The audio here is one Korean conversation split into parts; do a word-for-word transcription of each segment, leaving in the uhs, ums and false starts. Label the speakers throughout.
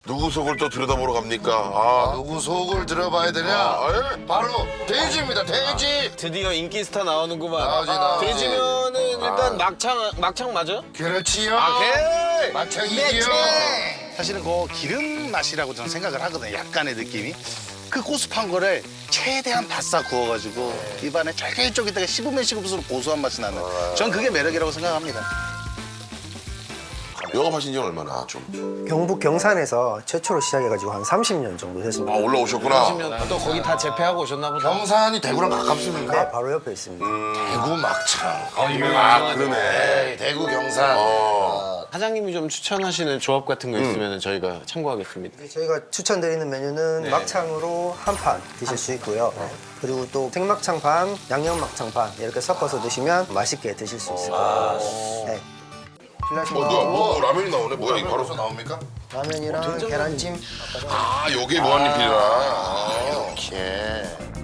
Speaker 1: 누구 속을 또 들여다보러 갑니까?
Speaker 2: 아,
Speaker 1: 아,
Speaker 2: 누구 속을 들어봐야 되냐?
Speaker 1: 아, 예?
Speaker 2: 바로 돼지입니다, 돼지.
Speaker 3: 드디어 인기 스타 나오는구만.
Speaker 2: 나오지, 나오지.
Speaker 3: 돼지면은 일단 막창 막창 맞아?
Speaker 2: 그렇지요.
Speaker 3: 오케이.
Speaker 2: 마창이지요.
Speaker 4: 사실은 그 기름 맛이라고 저는 생각을 하거든요. 약간의 느낌이. 그 고습한 거를 최대한 바싹 구워가지고 입안에 쫄깃쫄깃하게 씹으면 씹을수록 고소한 맛이 나는. 전 그게 매력이라고 생각합니다.
Speaker 1: 영업하신 지 얼마나 좀?
Speaker 5: 경북 경산에서 최초로 시작해가지고 한 삼십 년 정도
Speaker 1: 아,
Speaker 5: 됐습니다.
Speaker 1: 올라오셨구나.
Speaker 3: 또 거기 다 재패하고 오셨나 보다.
Speaker 2: 경산이 대구랑 가깝습니까?
Speaker 5: 네, 바로 옆에 있습니다.
Speaker 2: 대구 막창.
Speaker 1: 아, 그러네.
Speaker 2: 에이, 대구 경산.
Speaker 1: 어.
Speaker 3: 사장님이 좀 추천하시는 조합 같은 거 있으면 저희가 참고하겠습니다.
Speaker 5: 저희가 추천드리는 메뉴는 막창으로 한 판 드실 수 있고요. 그리고 또 생막창 반, 양념막창 반 이렇게 섞어서 드시면 맛있게 드실 수 있을 거예요. 네.
Speaker 1: 어, 뭐야, 뭐, 뭐 라면이 나오네. 뭐야, 이거 바로.
Speaker 2: 바로서 나옵니까?
Speaker 5: 라면이랑 계란찜.
Speaker 1: 아, 요게 무한리필이라. 아.
Speaker 2: 이렇게.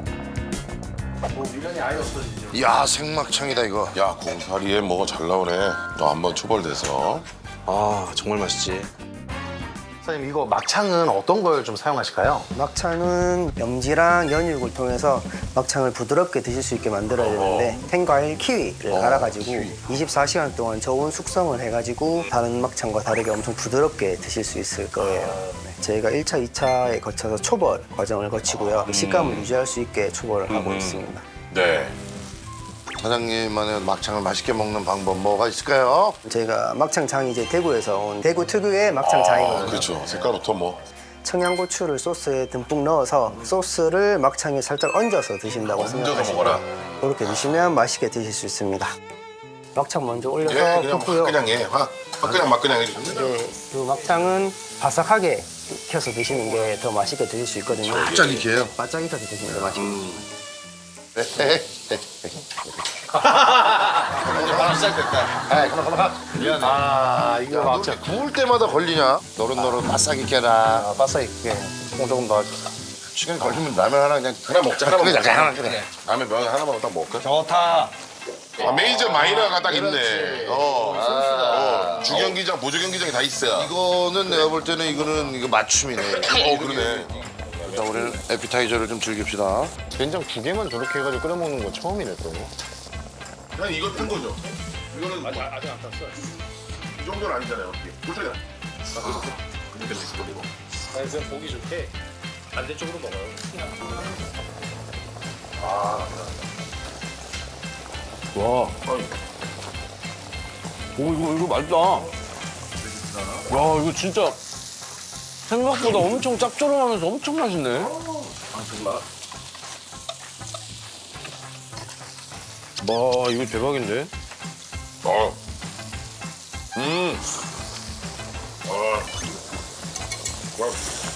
Speaker 2: 야, 생막창이다 이거.
Speaker 1: 야, 공사리에 뭐가 잘 나오네. 너 한번 초벌돼서.
Speaker 3: 아 정말 맛있지.
Speaker 4: 사장님 이거 막창은 어떤 걸 좀 사용하실까요?
Speaker 5: 막창은 염지랑 연육을 통해서 막창을 부드럽게 드실 수 있게 만들어야 되는데 생과일 키위를 갈아가지고 이십사 시간 동안 저온 숙성을 해가지고 다른 막창과 다르게 엄청 부드럽게 드실 수 있을 거예요. 네, 저희가 일 차, 이 차에 거쳐서 초벌 과정을 거치고요. 식감을 유지할 수 있게 초벌을 하고 있습니다.
Speaker 1: 네.
Speaker 2: 사장님만의 막창을 맛있게 먹는 방법 뭐가 있을까요?
Speaker 5: 저희가 막창장이 이제 대구에서 온 대구 특유의 막창장이거든요.
Speaker 1: 그렇죠. 색깔부터 뭐.
Speaker 5: 청양고추를 소스에 듬뿍 넣어서 소스를 막창에 살짝 얹어서 드신다고
Speaker 1: 얹어서
Speaker 5: 생각하시면
Speaker 1: 먹어라.
Speaker 5: 그렇게 드시면 맛있게 드실 수 있습니다. 막창 먼저 올려서
Speaker 1: 예, 그냥
Speaker 5: 붓고요.
Speaker 1: 막 그냥 해. 화, 화 그냥 막 그냥 해주시면 돼요.
Speaker 5: 네, 그 막창은 바삭하게 익혀서 드시는 게 더 맛있게 드실 수 있거든요.
Speaker 2: 바짝 익혀요.
Speaker 5: 바짝 익혀서 드시는 게 맛있습니다.
Speaker 4: 아 이거
Speaker 2: 막창 구울 때마다 걸리냐? 노릇노릇 바싹 익혀라.
Speaker 4: 아, 바싹 익게 조금 더.
Speaker 2: 시간 걸리면 라면 하나 그냥
Speaker 1: 하나 먹자. 하나만
Speaker 2: 그래,
Speaker 1: 먹자.
Speaker 2: 하나 그래.
Speaker 1: 라면 면 하나만 딱 먹을까?
Speaker 3: 좋다.
Speaker 1: 아, 메이저 마이너가 딱 있네. 어. 어. 주경기장, 보조경기장이 다 있어.
Speaker 2: 이거는 내가 볼 때는 이거는 이거 맞춤이네.
Speaker 1: 어, 그러네.
Speaker 2: 일단 우리는 에피타이저를 좀 즐깁시다.
Speaker 3: 된장 두 개만 저렇게 해가지고 끓여 먹는 건 처음이네 또.
Speaker 1: 그냥 이거 뜬 거죠? 이거는 아직, 아직 안 탔어요. 이 정도는 아니잖아요. 불타냐? 아, 근데 있어, 이거.
Speaker 6: 아니 그냥 보기 좋게 반대쪽으로 먹어요.
Speaker 3: 와. 오 이거 이거 맛있다. 야 이거 진짜 생각보다 엄청 짭조름하면서 엄청 맛있네. 와 이거 대박인데?
Speaker 1: 어. 음. 아. 와.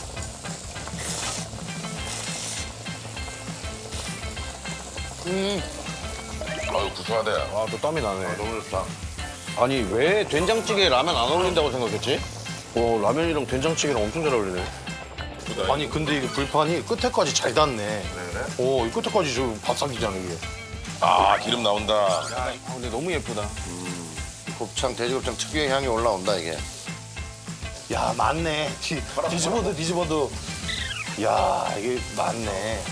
Speaker 3: 음.
Speaker 1: 아유, 구수하다. 야.
Speaker 3: 아 또 땀이 나네.
Speaker 1: 너무 좋다.
Speaker 3: 아니 왜 된장찌개에 라면 안 어울린다고 생각했지? 와 라면이랑 된장찌개랑 엄청 잘 어울리네.
Speaker 4: 아니 근데 이게 불판이 끝에까지 잘 닿네. 오, 이 끝에까지 저 바싹이잖아 이게.
Speaker 1: 아, 기름 나온다.
Speaker 3: 아 근데 너무 예쁘다.
Speaker 2: 곱창, 돼지곱창 특유의 향이 올라온다 이게.
Speaker 4: 야 맞네. 뒤, 뒤집어도 뒤집어도. 야 이게 맞네.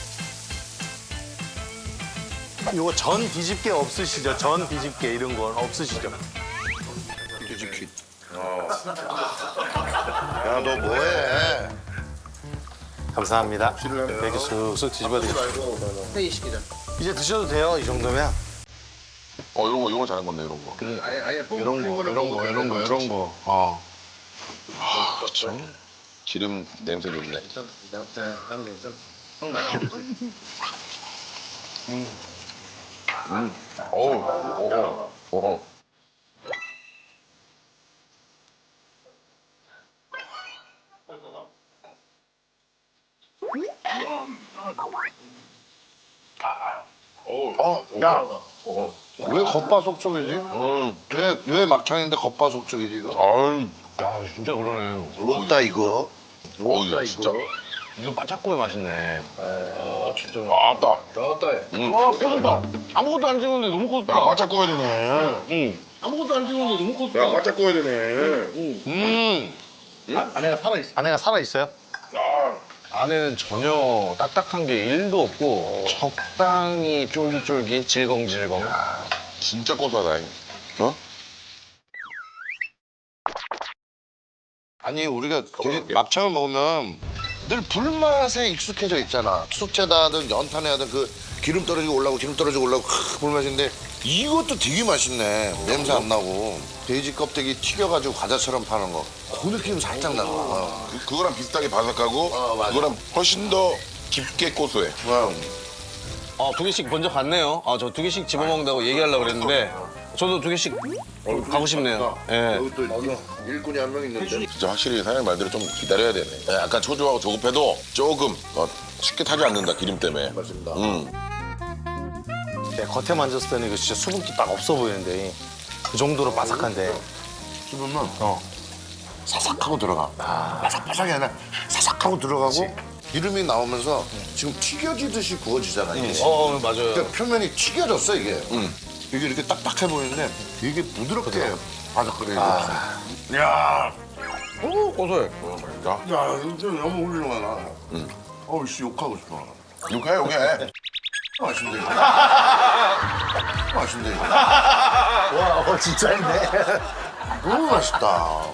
Speaker 4: 이거 전 뒤집개 없으시죠? 전 뒤집개 이런 건 없으시죠?
Speaker 2: 뒤집기. 야, 너 뭐해?
Speaker 4: 감사합니다. 이렇게 쑥쑥 뒤집어드릴게요. 이제 드셔도 돼요, 이 정도면.
Speaker 1: 어, 이런 거, 이런 거 잘한 건데, 이런 거.
Speaker 2: 이런 거, 이런 거, 이런 거, 이런 거.
Speaker 1: 어. 아, 그렇죠. 기름 냄새 좋네. 음. 음. 어우, 어우, 어우.
Speaker 2: 어, 야. 왜 겉바속촉이지? 왜, 왜 막창인데 겉바속촉이지 이거?
Speaker 1: 아유,
Speaker 3: 야 진짜 그러네.
Speaker 2: 부럽다 이거.
Speaker 1: 어우, 야, 진짜.
Speaker 3: 이거 바짝구이 맛있네.
Speaker 1: 아, 진짜. 아, 따.
Speaker 6: 나왔다 해.
Speaker 1: 응.
Speaker 3: 와 커졌다. 아무것도 안 찍었는데 너무 커졌다.
Speaker 1: 야, 바짝 구워야 되네.
Speaker 3: 응. 아무것도 안 찍었는데 너무 커졌다.
Speaker 1: 야, 바짝 구워야 되네.
Speaker 3: 응.
Speaker 1: 음.
Speaker 4: 아, 아내가 살아있어. 아내가 살아있어요?
Speaker 3: 안에는 전혀 딱딱한 게 일도 없고 적당히 쫄깃쫄깃 질겅질겅.
Speaker 1: 진짜 고소하다. 어?
Speaker 2: 아니 우리가 돼지 막창을 먹으면 늘 불맛에 익숙해져 있잖아. 숙제다 하든 연탄에 하든 그 기름 떨어지고 올라오고 기름 떨어지고 올라오고 크, 불맛인데 이것도 되게 맛있네. 냄새 안 나고 돼지 껍데기 튀겨가지고 과자처럼 파는 거. 그 느낌 살짝 나는 거야.
Speaker 1: 그- 그거랑 비슷하게 바삭하고
Speaker 2: 어, 맞아.
Speaker 1: 그거랑 훨씬 더 깊게 고소해.
Speaker 2: 어.
Speaker 3: 아, 두 개씩 먼저 갔네요. 아, 저 두 개씩 집어먹는다고 얘기하려고 그랬는데 저도 두 개씩 가고 싶네요. 예.
Speaker 2: 여기 또 일꾼이 한 명 있는데.
Speaker 1: 진짜 확실히 사장님 말대로 좀 기다려야 되네. 네, 약간 초조하고 조급해도 조금 어, 쉽게 타지 않는다 기름 때문에.
Speaker 2: 맞습니다.
Speaker 1: 음.
Speaker 4: 네, 겉에 만졌을 때는 이거 진짜 수분기 딱 없어 보이는데 그 정도로 바삭한데.
Speaker 2: 씹으면
Speaker 4: 어.
Speaker 2: 사삭하고 들어가. 바삭바삭이 아니라 사삭하고 들어가고 기름이 나오면서 지금 튀겨지듯이 구워지잖아 이게.
Speaker 3: 어, 어, 맞아요.
Speaker 2: 그러니까 표면이 튀겨졌어 이게.
Speaker 1: 음.
Speaker 2: 이게 이렇게 딱딱해 보이는데 되게 부드럽게 바삭거려. 아. 야,
Speaker 3: 오, 고소해.
Speaker 1: 자,
Speaker 2: 야, 이거 너무 훌륭하다. 응. 어우 씨 욕하고 싶어.
Speaker 1: 욕해 욕해.
Speaker 2: 맛있네. 맛있네.
Speaker 4: 와, 어, 진짜인데?
Speaker 2: 너무 맛있다.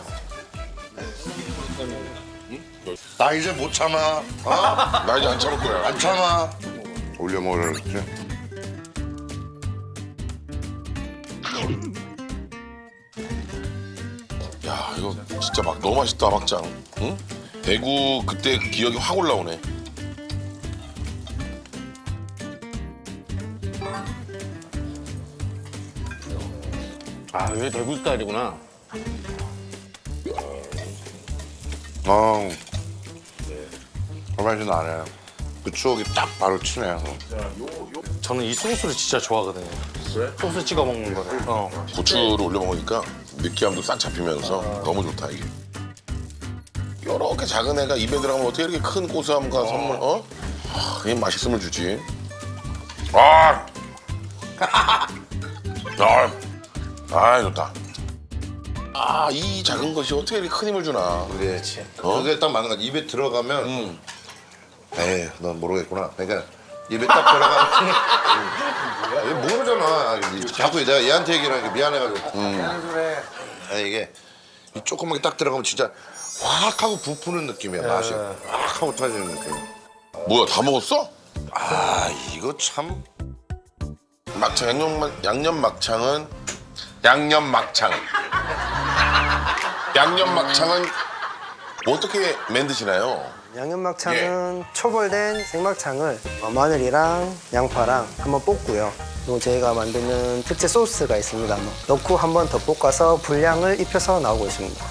Speaker 2: 나 이제 못 참아. 어?
Speaker 1: 나 이제 안 참을 거야.
Speaker 2: 안 참아. 올려 먹으라 그랬지.
Speaker 1: 야 이거 진짜 막 너무 맛있다 막장. 응? 대구 그때 그 기억이 확 올라오네.
Speaker 3: 아, 이게 대구 스타일이구나.
Speaker 2: 어. 그 맛이 나네. 그 추억이 딱 바로 치네.
Speaker 4: 저는 이 소스를 진짜 좋아하거든요. 소스 찍어 먹는 거를. 어.
Speaker 1: 고추를 올려 먹으니까 느끼함도 싹 잡히면서 너무 좋다 이게. 이렇게 작은 애가 입에 들어가면 어떻게 이렇게 큰 고소함과 선물 어? 아, 그게 맛있음을 주지. 아, 아, 아 좋다. 아, 이 작은 것이 어떻게 이렇게 큰 힘을 주나.
Speaker 2: 그렇지.
Speaker 1: 어?
Speaker 2: 그게 딱 맞는 거 같아. 입에 들어가면
Speaker 1: 음.
Speaker 2: 에이, 넌 모르겠구나. 그러니까 입에 딱 들어가면 얘 모르잖아. 자꾸 내가 얘한테 얘기를 하니까 미안해가지고 미안해. 이게 이 조그맣게 딱 들어가면 진짜 확 하고 부푸는 느낌이야 맛이. 확 하고 터지는 느낌.
Speaker 1: 뭐야 다 먹었어?
Speaker 2: 아 이거 참.
Speaker 1: 막창 양념 막- 양념 막창은 양념 막창. 양념 막창은 어떻게 만드시나요?
Speaker 5: 양념 막창은 초벌된 생막창을 어, 마늘이랑 양파랑 한번 볶고요. 그리고 저희가 만드는 특제 소스가 있습니다. 뭐 넣고 한 번 더 볶아서 분량을 입혀서 나오고 있습니다.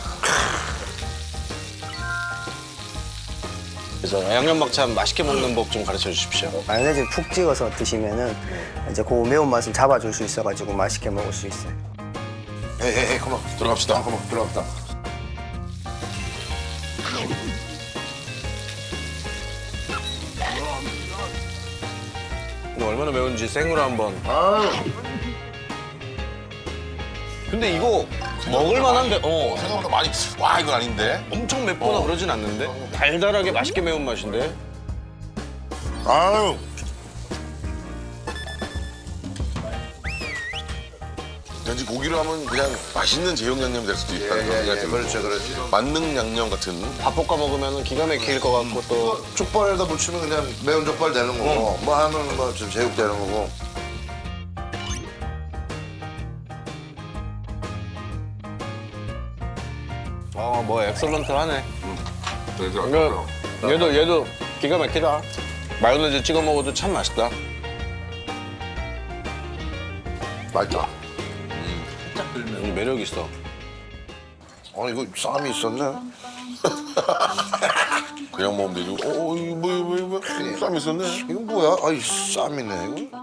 Speaker 3: 그래서 양념막창 맛있게 먹는 법 좀 가르쳐 주십시오.
Speaker 5: 마요네즈 푹 찍어서 드시면은 이제 그 매운맛을 잡아줄 수 있어가지고 맛있게 먹을 수 있어요.
Speaker 2: 에이 에이 에이 컴온
Speaker 1: 들어갑시다.
Speaker 2: 컴온 들어갑시다.
Speaker 3: 근데 얼마나 매운지 생으로 한번.
Speaker 2: 아유.
Speaker 3: 근데 이거 먹을 만한데, 어.
Speaker 1: 생각보다 많이 와 이건 아닌데.
Speaker 3: 엄청 맵거나 그러진 않는데? 달달하게 맛있게 매운 맛인데?
Speaker 2: 아유.
Speaker 1: 왠지 고기로 하면 그냥 맛있는 제육 양념이 될 수도 있다는 그런 생각이 들고.
Speaker 2: 그렇죠 그렇죠.
Speaker 1: 만능 양념 같은.
Speaker 3: 밥 볶아 먹으면 기가 막힐 것 같고 또.
Speaker 2: 족발에다 묻히면 그냥 매운 족발 되는 거고 뭐 하면 뭐 좀 제육 되는 거고.
Speaker 3: 아, 뭐 엑설런트 하네.
Speaker 1: 그래서
Speaker 3: 이거 얘도 얘도 기가 막히다. 마요네즈 찍어 먹어도 참 맛있다.
Speaker 2: 맛있다.
Speaker 3: 이 매력 있어.
Speaker 2: 아 이거 쌈이 있었네.
Speaker 1: 그냥 먹으면 되지. 어, 어 이거 뭐, 뭐, 뭐, 쌈 있었네.
Speaker 2: 이거 뭐야? 아이 쌈이네 이거.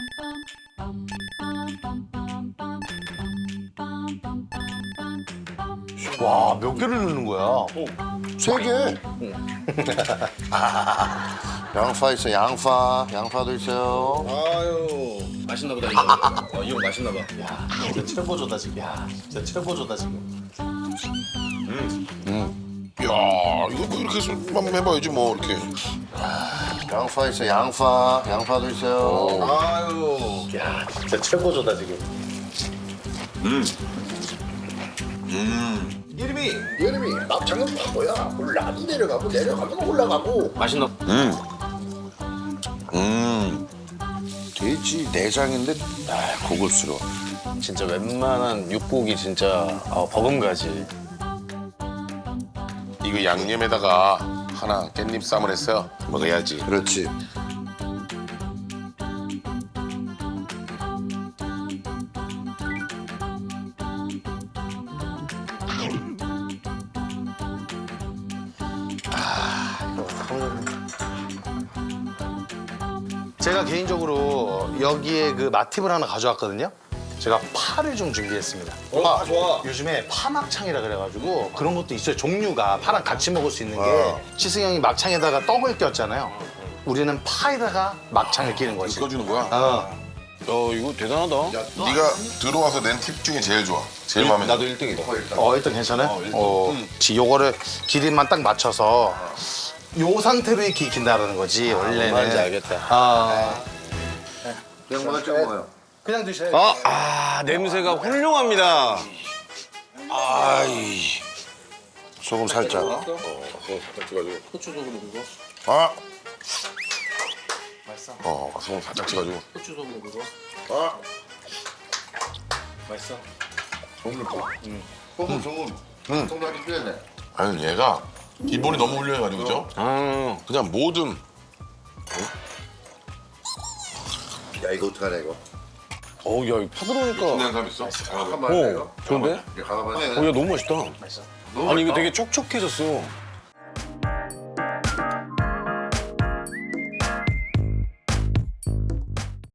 Speaker 4: 와, 몇 개를 넣는 거야?
Speaker 2: 세 개. 양파 있어 양파 양파도 있어요.
Speaker 3: 아유, 맛있나 보다 이거. 어, 이거 맛있나 봐.
Speaker 4: 진짜 최고조다 지금. 야, 진짜 최고조다 지금.
Speaker 1: 이야 이거 뭐 이렇게 좀 한번 해봐야지 뭐 이렇게.
Speaker 2: 양파 있어, 양파. 양파도 있어요.
Speaker 6: 아유. 야 진짜 최고조다 지금.
Speaker 2: 이름이 이름이 막창은 바보야. 올라가면 내려가고 내려가면 올라가고.
Speaker 3: 맛있나?
Speaker 1: 음.
Speaker 2: 돼지 내장인데 아, 고급스러워.
Speaker 3: 진짜 웬만한 육고기 진짜 아, 버금가지.
Speaker 1: 이거 양념에다가 하나 깻잎 쌈을 했어요. 먹어야지.
Speaker 2: 그렇지.
Speaker 4: 제가 개인적으로 여기에 그 맛팁을 하나 가져왔거든요. 제가 파를 좀 준비했습니다. 파, 좋아. 요즘에 파막창이라 그래가지고 그런 것도 있어요. 종류가 파랑 같이 먹을 수 있는 게 시승 형이 막창에다가 떡을 꼈잖아요. 우리는 파에다가 막창을 끼는 거지.
Speaker 1: 꺼주는 거야?
Speaker 4: 어.
Speaker 3: 야 이거 대단하다.
Speaker 1: 네가 들어와서 낸 팁 중에 제일 좋아. 제일 마음에 들어.
Speaker 3: 나도 일 등이다.
Speaker 4: 어, 일단 괜찮아요? 어, 지 요거를 기름만 딱 맞춰서 요 상태로 이렇게 익힌다는 거지, 원래는.
Speaker 3: 뭔지 알겠다.
Speaker 4: 아,
Speaker 2: 그냥 뭐가 좀 먹어요.
Speaker 4: 그냥 드셔야죠.
Speaker 3: 아, 아 냄새가 훌륭합니다.
Speaker 2: 아이. 소금 살짝.
Speaker 1: 어, 살짝 찍어가지고. 후추 소금 그거. 아. 맛있어. 어, 소금 살짝 찍어가지고.
Speaker 6: 후추 소금 그거.
Speaker 1: 아.
Speaker 6: 맛있어.
Speaker 2: 소금 소금. 소금. 응. 소금 하기 필요해.
Speaker 1: 아니 얘가 기본이 너무 훌륭해가지고 그죠?
Speaker 3: 아,
Speaker 1: 그냥 모든
Speaker 2: 야 이거 어떡하냐 이거.
Speaker 3: 어우 야 이거 파 들어오니까.
Speaker 1: 그냥 사람 있어.
Speaker 2: 잠깐만.
Speaker 3: 어, 좋은데?
Speaker 2: 가봐봐.
Speaker 3: 어, 야 너무 맛있다. 아니 이거 되게 촉촉해졌어.